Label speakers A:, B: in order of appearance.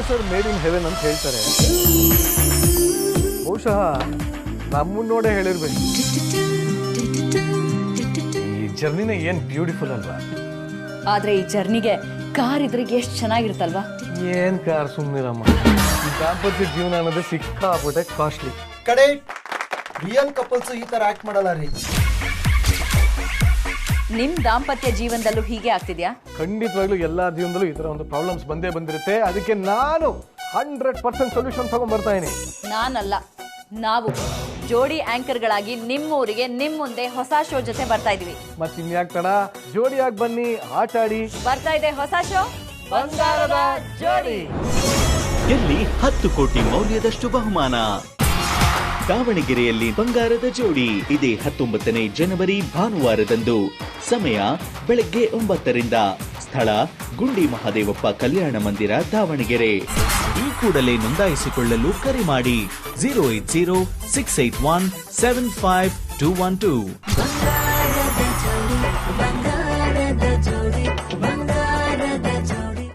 A: Sir made in heaven ಅಂತ ಹೇಳ್ತಾರೆ. ಬಹುಶಃ ನಮ್ಮನ್ನ ನೋಡೇ ಹೇಳಿರ್ಬೇಕು. ಈ ಜರ್ನಿನೇ ಏನ್ ಬ್ಯೂಟಿಫುಲ್ ಅಲ್ವಾ?
B: ಆದ್ರೆ ಈ ಜರ್ನಿಗೆ ಕಾರ್ ಇದ್ರೆ ಎಷ್ಟು ಚೆನ್ನಾಗಿರುತ್ತಲ್ವಾ?
A: ಏನ್ ಕಾರ್, ಸುಮ್ಮನಿರಮ್ಮ. ಈ ದಾಂಪತ್ಯ ಜೀವನ ಅನ್ನೋದು ಸಿಕ್ಕಾಪಟ್ಟೆ ಕಾಸ್ಟ್ಲಿ.
C: ಕಡೆ ರಿಯಲ್ ಕಪಲ್ಸ್ ಈ ತರ ಆಕ್ಟ್ ಮಾಡಲ್ಲ ರೀ.
B: ನಿಮ್ ದಾಂಪತ್ಯ ಜೀವನದಲ್ಲೂ ಹೀಗೆ ಆಗ್ತಿದ್ಯಾ?
A: ಖಂಡಿತವಾಗ್ಲೂ ಎಲ್ಲಾ ಜೀವನದಲ್ಲೂ ಈ ತರ ಒಂದು ಪ್ರಾಬ್ಲಮ್ಸ್ ಬಂದೇ ಬಂದಿರುತ್ತೆ. ಅದಕ್ಕೆ ನಾನು 100% ಸೊಲ್ಯೂಷನ್ ತಗೊಂಡ್ ಬರ್ತಾ ಇದೀನಿ.
B: ನಾನಲ್ಲ, ನಾವು ಜೋಡಿ ಆಂಕರ್ಗಳಾಗಿ ನಿಮ್ಮೂರಿಗೆ ನಿಮ್ ಮುಂದೆ ಹೊಸ ಶೋ ಜೊತೆ ಬರ್ತಾ ಇದೀವಿ.
A: ಮತ್ತೆ ಇನ್ಯಾಕ್ ತಡ, ಜೋಡಿಯಾಗಿ ಬನ್ನಿ, ಆಟ ಆಡಿ.
B: ಬರ್ತಾ ಇದೆ ಹೊಸ ಶೋ ಬಂಗಾರದ ಜೋಡಿ.
D: ಎಲ್ಲಿ 10 ಕೋಟಿ ಮೌಲ್ಯದಷ್ಟು ಬಹುಮಾನ. ದಾವಣಗೆರೆಯಲ್ಲಿ ಬಂಗಾರದ ಜೋಡಿ ಇದೇ 19ನೇ ಜನವರಿ ಭಾನುವಾರದಂದು. ಸಮಯ ಬೆಳಗ್ಗೆ 9ರಿಂದ. ಸ್ಥಳ ಗುಂಡಿ ಮಹಾದೇವಪ್ಪ ಕಲ್ಯಾಣ ಮಂದಿರ, ದಾವಣಗೆರೆ. ಈ ಕೂಡಲೇ ನೋಂದಾಯಿಸಿಕೊಳ್ಳಲು ಕರೆ ಮಾಡಿ 08068175212.